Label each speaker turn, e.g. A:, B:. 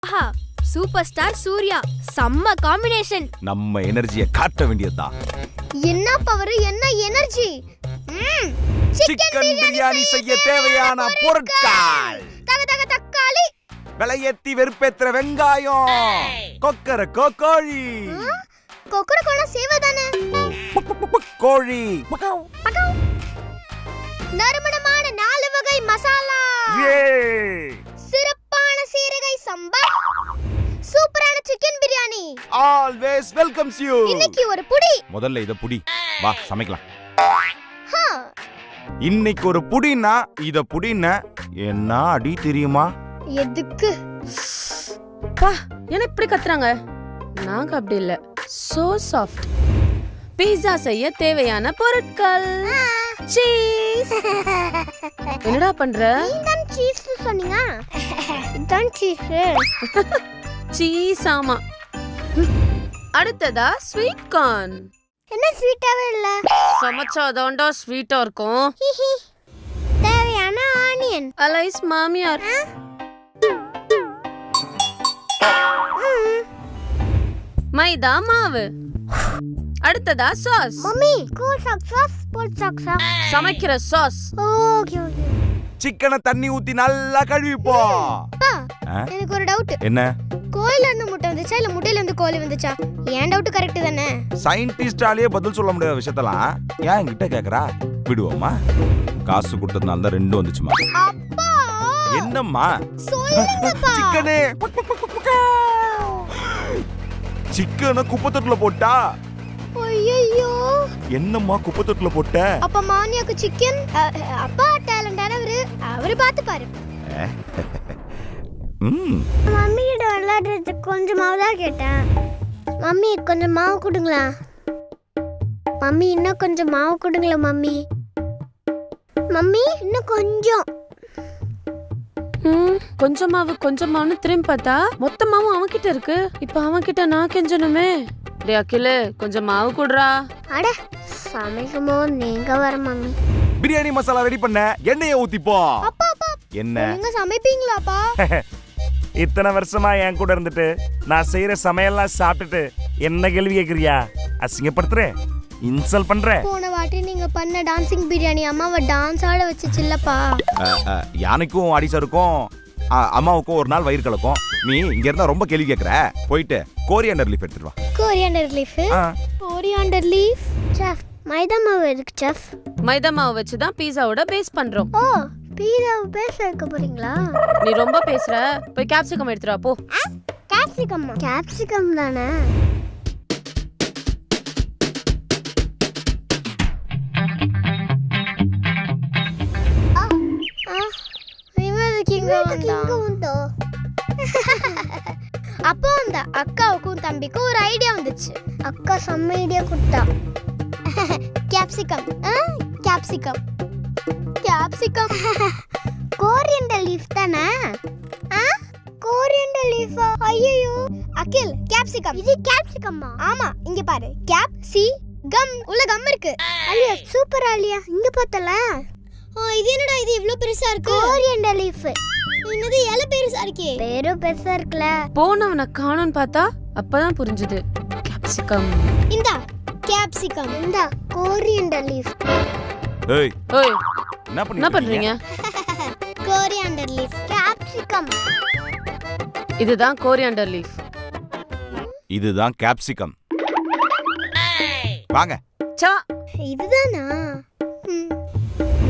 A: ஆஹா, super star Surya செம்ம combination.
B: நம்ம எனர்ஜியை காட்ட வேண்டியதுதான்.
C: என்ன பவர், என்ன எனர்ஜி.
B: சிக்கன் பிரியாணி செய்ய தேவையான பொருட்கள்:
C: தக்காளி,
B: விலையேத்தி வெறுப்பேத்துற வெங்காயம், கொக்கர கோழி,
C: கொக்கரக்கோள சேவதானே,
B: கோழி,
C: நறுமணமான 4 வகை மசாலா, சிறப்பான சீரகை சம்பா, சூப்பரான chicken biryani.
B: Always welcomes you.
C: இன்னைக்கு ஒரு புடி.
B: முதல்ல இத புடி, வா சமைக்கலாம். இன்னைக்கு ஒரு புடினா இத புடினா என்ன அடி தெரியுமா?
C: எதுக்கு?
A: பா, என்ன இப்படி கத்துறாங்க? நாங்க அப்படி இல்ல, சோ சாஃப்ட். பீட்சா செய்ய தேவையான பொருட்கள்: சீஸ். என்னடா பண்ற?
C: நீதான் சீஸ் சொன்னீங்க. இதான் சீஸ்.
A: சீஸ் ஆமா. அடுத்ததா ஸ்வீட் கார்ன்.
C: என்ன ஸ்வீட்டாவே இல்ல?
A: சமைச்சாதான்டா ஸ்வீட்டா இருக்கும்.
C: தேவையான ஆனியன்.
A: அலைஸ் மாமியார். மைதா மாவு. அடுத்ததா சாஸ்.
C: மம்மி, கூல் சாஸ், போல் சாஸ்.
A: சமைக்கிற சாஸ்.
C: Okay okay.
B: சிக்கனை தண்ணி ஊத்தி நல்லா கழுவிப்போ.
C: எனக்கு ஒரு டவுட்.
B: என்ன?
C: கோயில இருந்து முட்டை வந்துச்சா இல்ல முட்டையில இருந்து கோழி வந்துச்சா? ஏன் டவுட் கரெக்ட் தானே?
B: சயின்டிஸ்டாலே பதில் சொல்ல முடியாத விஷயத்தெல்லாம் ஏன் என்கிட்ட கேக்குறா? விடுவோமா? காசு கொடுத்ததுனால தான் 2 வந்துச்சுமா.
C: அப்பா
B: என்னம்மா?
C: சொல்லுங்கப்பா.
B: சிக்கனே சிக்கனை குப்பைத்தொட்டில போட்டா.
C: ஐயோ,
B: என்னம்மா குப்பைத்தொட்டில போட்ட?
C: அப்ப மானியாக்கு சிக்கன். அப்பா டேலண்டானவரு, அவரு பாத்து பாரு. மம்மி கிட்ட விளையாடுறதுக்கு கொஞ்சம் மாவு தான் கேட்டேன். மம்மி கொஞ்சம் மாவு கொடுங்களா? மம்மி இன்னும் கொஞ்சம் மாவு கொடுங்களா? மம்மி மம்மி இன்னும் கொஞ்சம்.
A: கொஞ்சமாவும் திரும்பி பார்த்தா மொத்தமாவும் அவன்கிட்ட இருக்கு. இப்ப அவன்கிட்ட நான் கெஞ்சணுமே. டே அகில, கொஞ்சம் மாவு குடுறா.
C: அட, சமைக்குமோ நீங்க வர. மம்மி
B: பிரியாணி மசாலா ரெடி பண்ண, எண்ணெயை ஊத்திப்போ.
C: அப்பா அப்பா,
B: என்ன
C: நீங்க சமைப்பீங்களாப்பா?
B: இத்தனை வருஷமா என் கூட இருந்துட்டு நான் செய்யற சமையல்லாம் சாப்பிட்டுட்டு என்ன கேள்வி கேக்குறியா? அசிங்கப்படுத்துற, இன்சல்ட் பண்ற.
C: போன வாட்டி நீங்க பண்ண டான்சிங் பிரியாணி அம்மாவை டான்ஸ் ஆட வச்சுச்சுல்லப்பா.
B: யானைக்கும் அடிசருக்கும் அம்மாவுக்கும் ஒரு நாள் வயிறு கலக்கும். நீ இங்க இருந்தா ரொம்ப கேள்வி கேக்குற. போயிட்டு கோரியாண்டர் லீஃப் எடுத்துட்டு வா.
C: Coriander leaf? Coriander leaf chef. Maida மாவு எதுக்கு செஃப்?
A: மைதா மாவு வச்சு தான் பீஸாவோட பேஸ் பண்றோம்.
C: ஓ, பீஸாவை பேச வைக்க போறீங்களா?
A: நீ ரொம்ப பேசுற. போய் கேப்சிகம் எடுத்துட்டு வா போ.
C: கேப்சிகம்? கேப்சிகம் தானே. அப்போ அந்த அக்காவுக்கும் தம்பிக்கும் ஒரு ஐடியா வந்துச்சு. அக்கா செம்ம ஐடியா கொடுத்தா. Capsicum. Capsicum capsicum coriander leaf தானே? கோரியண்டர் லீஃபா? ஐயோ அகில், கேப்சிகம். இது கேப்சிகம்மா? ஆமா, இங்க பாரு. கேப் சி கம் உள்ள கம் இருக்கு. அலியா சூப்பர். அலியா இங்க பார்த்தல. இது என்னடா இது இவ்ளோ பெருசா இருக்கு? Coriander leaf. என்னது இலை பெருசா இருக்கே? பேரு பெருசா இருக்குல.
A: போனவன காணோன்னு பார்த்தா அப்பதான் புரிஞ்சுது. கேப்சிகம்.
C: இந்தா கேப்சிகம். இந்தா கோரியண்டர் லீஃப்.
B: ஏய்
A: ஓய்,
B: என்ன
A: பண்றீங்க?
C: Coriander leaf, capsicum.
A: இதுதான் கோரியாண்டர் லீஃப்.
B: இதுதான் கேப்சிகம். வாங்க.
A: சா,
C: இதுதானா?